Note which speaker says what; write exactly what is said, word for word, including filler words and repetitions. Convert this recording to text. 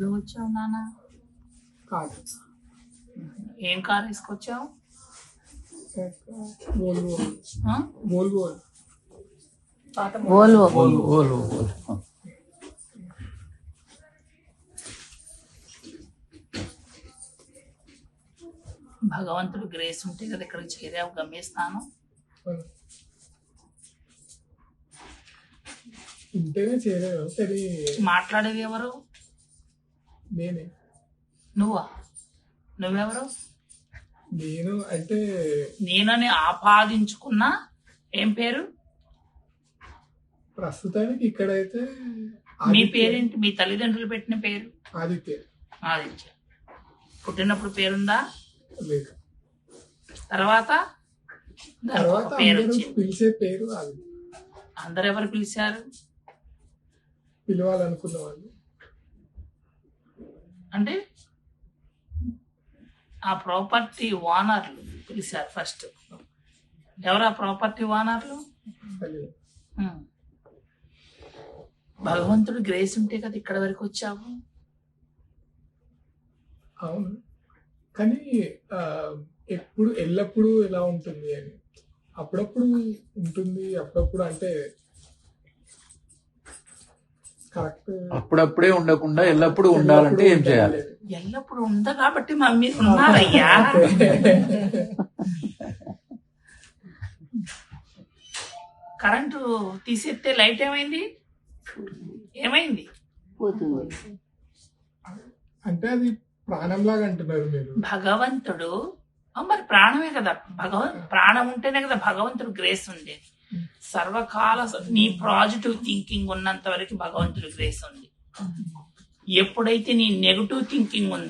Speaker 1: ఎందులో వచ్చావు నాన్న?
Speaker 2: కాదు,
Speaker 1: ఏం కార్ తీసుకొచ్చావు?
Speaker 2: వోల్వో
Speaker 1: ఆ?
Speaker 2: వోల్వో
Speaker 3: వోల్వో
Speaker 4: ఓల్వో ఓల్వో
Speaker 1: భగవంతుడు గ్రేస్ ఉంటే కదా ఇక్కడికి చేరావు గమ్యస్థానం.
Speaker 2: ఉంటేనే చేయలేదు. సరే
Speaker 1: మాట్లాడేది ఎవరు?
Speaker 2: నేనే
Speaker 1: నువ్వా? నువ్వెవరు?
Speaker 2: నేను అంటే
Speaker 1: నేనని ఆపాదించుకున్నా ఏం పేరు?
Speaker 2: ప్రస్తుతానికి ఇక్కడైతే
Speaker 1: మీ
Speaker 2: ఆదిత్య.
Speaker 1: పేరేంటి? మీ తల్లిదండ్రులు పెట్టిన పేరు?
Speaker 2: ఆదిత్య
Speaker 1: ఆదిత్య. పుట్టినప్పుడు పేరుందా?
Speaker 2: లేదు.
Speaker 1: తర్వాత దానికి
Speaker 2: తర్వాత
Speaker 1: ఒక పేరు
Speaker 2: అందరూ
Speaker 1: వచ్చింది.
Speaker 2: పిలిచే పేరు అది.
Speaker 1: అందరు ఎవరు పిలిచారు?
Speaker 2: పిలవాలనుకున్న వాళ్ళు.
Speaker 1: అంటే ఆ ప్రాపర్టీ ఓనర్లు పిలిచారు ఫస్ట్. ఎవరు ఆ ప్రాపర్టీ ఓనర్లు?
Speaker 2: తెలియదు.
Speaker 1: ఉమ్. భగవంతుడు గ్రేస్ ఉంటే కదా ఇక్కడ వరకు వచ్చావు.
Speaker 2: అవును, కానీ ఆ, ఎప్పుడు ఎల్లప్పుడూ ఎలా ఉంటుంది అని అప్పుడప్పుడు ఉంటుంది, అప్పుడప్పుడు అంటే కరెక్ట్.
Speaker 4: అప్పుడప్పుడే ఉండకుండా ఎల్లప్పుడూ ఉండాలంటే ఏం చేయాలి?
Speaker 1: ఎల్లప్పుడు ఉందా కాబట్టి మా మీరు ఉన్నారయ్యా. కరెంటు తీసేస్తే లైట్ ఏమైంది? ఏమైంది?
Speaker 3: పోతుంది.
Speaker 2: అంటే అది ప్రాణంలాగా అంటున్నారు మీరు.
Speaker 1: భగవంతుడు ఆ, మరి ప్రాణమే కదా. భగవన్ ప్రాణం ఉంటేనే కదా భగవంతుడు గ్రేస్ ఉండేది. సర్వకాల నీ పాజిటివ్ థింకింగ్ ఉన్నంత వరకు భగవంతుడు గ్రేస్ ఉంది. ఎప్పుడైతే నీ నెగటివ్ థింకింగ్ ఉందో